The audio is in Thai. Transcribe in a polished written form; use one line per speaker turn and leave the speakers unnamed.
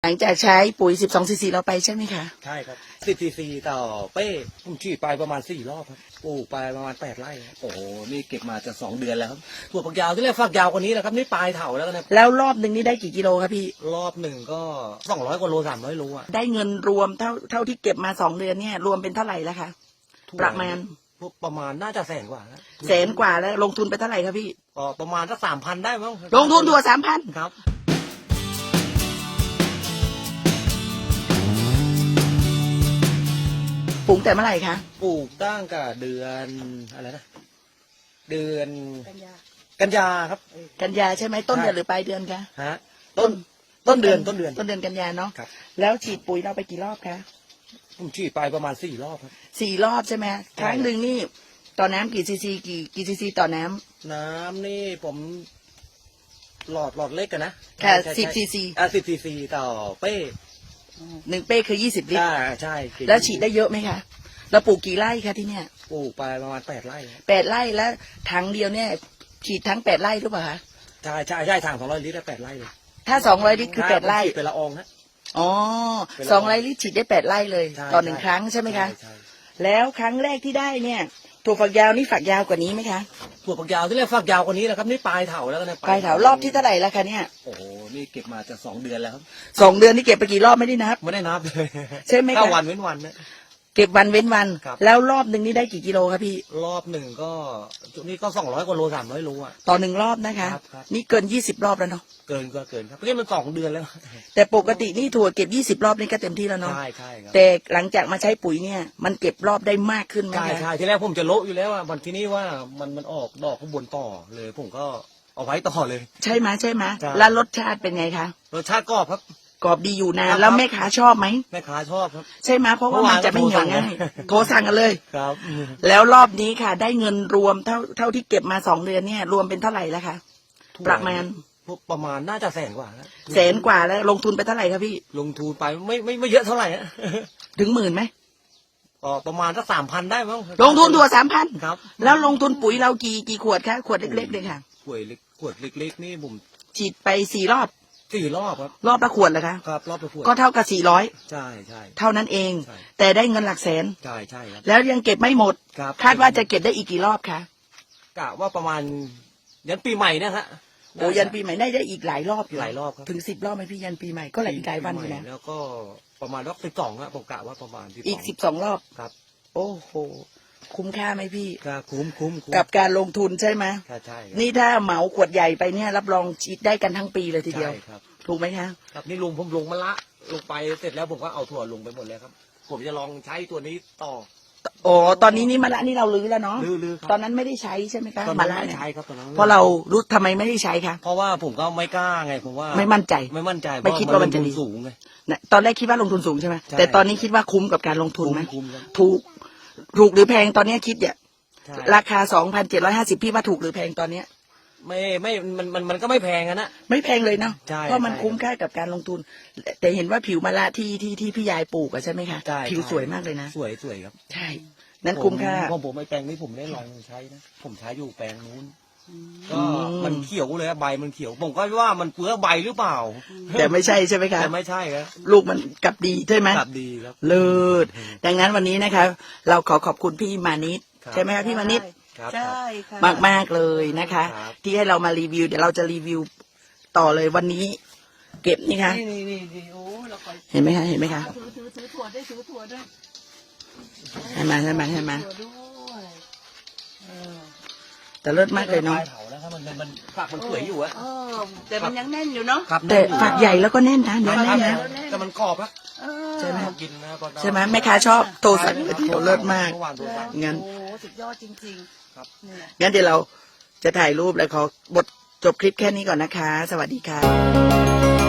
ลังจากใช้ปุ๋ย12 ซีซีเราไปใช่ไหมคะ
ใช่ครับ10 ซีซีต่อเป้ผมฉีดไปประมาณ4 รอบครับปลูกไปประมาณ8 ไร่โอ้โหนี่เก็บมาจะ2 เดือนแล้วครับถั่วฝักยาวที่แรกฝักยาวกว่านี้แหละครับนี่ปลายเถาแล้วนะ
แล้วรอบหนึ่งนี่ได้กี่กิโลครับพี่
รอบหนึ่งก็200 กว่าโล300 โลอ่ะ
ได้เงินรวมเท่าที่เก็บมา2 เดือนเนี่ยรวมเป็นเท่าไหร่แล้วคะประมาณ
น่าจะ100,000 กว่าแล้ว
100,000 กว่าแล้วลงทุนไปเท่าไหร่ครับพี่
ประมาณสัก3,000ได้มั้ง
ลงทุนถั่ว3,000
ครับ
ปลูกแต่เมื่อไหร่คะ
ปลูกตั้งแต่เดือนอะไรนะเดือนกันยาครับ
กันยาใช่ไหมต้นเดือนหรือปลายเดือนคะ
ฮะต้นเดือน
กันยาเนาะแล้วฉีดปุ๋ยเราไปกี่รอบคะ
ผมฉีดไปประมาณ4 รอบครับ
4 รอบใช่ไหมครั้งหนึ่งนี่ต่อน้ำกี่ซีซีกี่ซีซีต่อน้
ำนี่ผมหลอดเล็กกันนะ
ค่ะ10 ซีซี
10 ซีซีต่อเป้
1 เป้คือ20 ลิตร
ใช่
แล้วฉีดได้เยอะไหมคะเราปลูกกี่ไร่คะที่เนี่ย
ปลูกไปประมาณ8 ไร่
8 ไร่แล้วถังเดียวเนี่ยฉีดทั้ง8 ไร่หรือเปล่าคะ
ใช่ถัง200 ลิตรได้8 ไร่เลย
ถ้า200 ลิตรคือ8 ไร่
เป็นละอองนะ
อ๋อ200 ลิตรฉีดได้8 ไร่เลยต่อ1 ครั้งใช่ไหมคะแล้วครั้งแรกที่ได้เนี่ยถั่วฝักยาวนี่ฝักยาวกว่านี้ไหมคะ
ถั่วฝักยาวที่แรกฝักยาวกว่านี้แหละครับนี่ปลายเถาแล้วนะ
ปลายเถารอบที่เท่าไหร่แล้วคะเนี่ย
โอ้โหนี่เก็บมาจะ2 เดือนแล้วครับ
2 เดือนนี่เก็บไปกี่รอบไม่ได้นับ
เลย
ใช่ไหมคะ
ถ้าวันเว้นวันนะ
เก็บวันเว้นวันแล้วรอบหนึ่งนี่ได้กี่กิโลครับพี่
รอบหนึ่งก็นี่ก็200 กว่าโล300 โลอ่ะ
ต่อ1 รอบนะคะนี่เกิน20 รอบแล้วเนาะ
เกินครับเพราะมัน2 เดือนแล้ว
แต่ปกตินี่ถั่วเก็บ20 รอบนี่ก็เต็มที่แล้วเนาะ
ใช่ครับ
แต่หลังจากมาใช้ปุ๋ยเนี่ยมันเก็บรอบได้มากขึ้นไหม
ใช่ที่แรกผมจะโละอยู่แล้วอ่ะวันที่นี่ว่ามันออกดอกข้างบนต่อเลยผมก็เอาไว้ต่อเลย
ใช่ไหมแล้วรสชาติเป็นไงคะ
รสชาติกรอบครับ
กรอบดีอยู่นานแล้วแม่ค้าชอบไหม
แม่ค้าชอบครับ
ใช่ไหมเพราะว่ามันจะไม่เหนียวง่ายโทรสั่งกันเลย
ครับ
แล้วรอบนี้ค่ะได้เงินรวมเท่าที่เก็บมา2 เดือนเนี่ยรวมเป็นเท่าไหร่แล้วคะประมาณ
น่าจะ100,000 กว่าแล้ว
100,000 กว่าแล้วลงทุนไปเท่าไหร่ครับพี่
ลงทุนไปไม่เยอะเท่าไหร่
ถึง10,000ไหม
ประมาณสัก3,000ได้มั้ง
ลงทุนถั่ว3,000
ครับ
แล้วลงทุนปุ๋ยเรากี่ขวดคะขวดเล็กๆเลยค่ะ
ขวดเล็กๆนี่ผม
ฉีดไป4 รอบ
ครับ
รอบละขวดเหรอคะ
ครับรอบละขวด
ก็เท่ากับ400
ใช่
เท่านั้นเองแต่ได้เงินหลักแสน
ใช่ครับ
แล้วยังเก็บไม่หมดคาดว่าจะเก็บได้อีกกี่รอบคะ
กะว่าประมาณยันปีใหม่นะฮะ
โอ้ยันปีใหม่ได้อีกหลายรอบอยู่
หลายรอบครับ
ถึง10 รอบไหมพี่ยันปีใหม่ก็หลายวันอยู่นะ
แล้วก็ประมาณรอบ12อะผมกะว่าประมาณ
อีก12 รอบ
ครับ
โอ้โหคุ้มค่าไหมพี่
คุ้ม
กับการลงทุนใช่ไหม
ใช่
นี่ถ้าเหมาขวดใหญ่ไปเนี่ยรับรองฉีดได้กันทั้งปีเลยทีเดียวถูกไหมคะ
ครับนี่ผมลงมะละลงไปเสร็จแล้วผมก็เอาถั่วลงไปหมดแล้วครับผมจะลองใช้ตัวนี้ต่อ
อ๋อตอนนี้นี่มะละนี่เราลื้อแล้วเนาะ
ลื้อ
ตอนนั้นไม่ได้ใช้ใช่ไหมคะมะละ
ไม่ใช้ครับตอนนั้น
เพราะเรารู้ทำไมไม่ได้ใช้คะ
เพราะว่าผมก็ไม่กล้าไงผมว่า
ไม่มั่นใจไม่คิดว่ามันจะดี
สูงไง
ตอนแรกคิดว่าลงทุนสูงใช่ไหมแต่ตอนนี้คิดว่าคุ้มกับการลงทุนไหมถูกหรือแพงตอนนี้คิดเนี่ยราคา 2,750 พี่ว่าถูกหรือแพงตอนเนี้ย
มันก็ไม่แพงนะ
ไม่แพงเลยเนาะเพราะมันคุ้มค่ากับการลงทุนแต่เห็นว่าผิวมะละที่พี่ยายปลูกใช่ไหมคะผิวสวยมากเลยนะ
สวยครับ
ใช่นั้นคุ้มค่า
ผมไม่แปลงนี้ผมได้ลองใช้นะผมใช้อยู่แปลงนู้นก็มันเขียวเลยใบมันเขียวผมก็ว่ามันเปลือกใบหรือเปล่า
แต่ไม่ใช่ใช่ไหมคะ
แต่ไม่ใช่ครับ
ลูกมันกลับดีใช่ไหม
กลับดีครับ
เลิศดังนั้นวันนี้นะคะเราขอบคุณพี่มานิดใช่ไหมคะพี่มานิด
ใช่ค่ะ
มากเลยนะคะที่ให้เรามารีวิวเดี๋ยวเราจะรีวิวต่อเลยวันนี้เก็บนี่ค่ะ
โอ้
เห็นไหมคะ
ถือถั่วด้วย
ให้มาแต่เลิศมากเลยเนาะ
มันฝักมันสวยอยู่อะ
แต่มันยังแน่นอยู่เนาะ
แต่ฝักใหญ่แล้วก็แน่นนะเนื้อแน่นนะ
แต่มันกรอบอะ
ใช่ไหมแม่ค้าชอบโตสัตว์เลิศมากงั้น
โอ้สุดยอดจริงๆ
ครับ
งั้นเดี๋ยวเราจะถ่ายรูปแล้วขอบทจบคลิปแค่นี้ก่อนนะคะสวัสดีค่ะ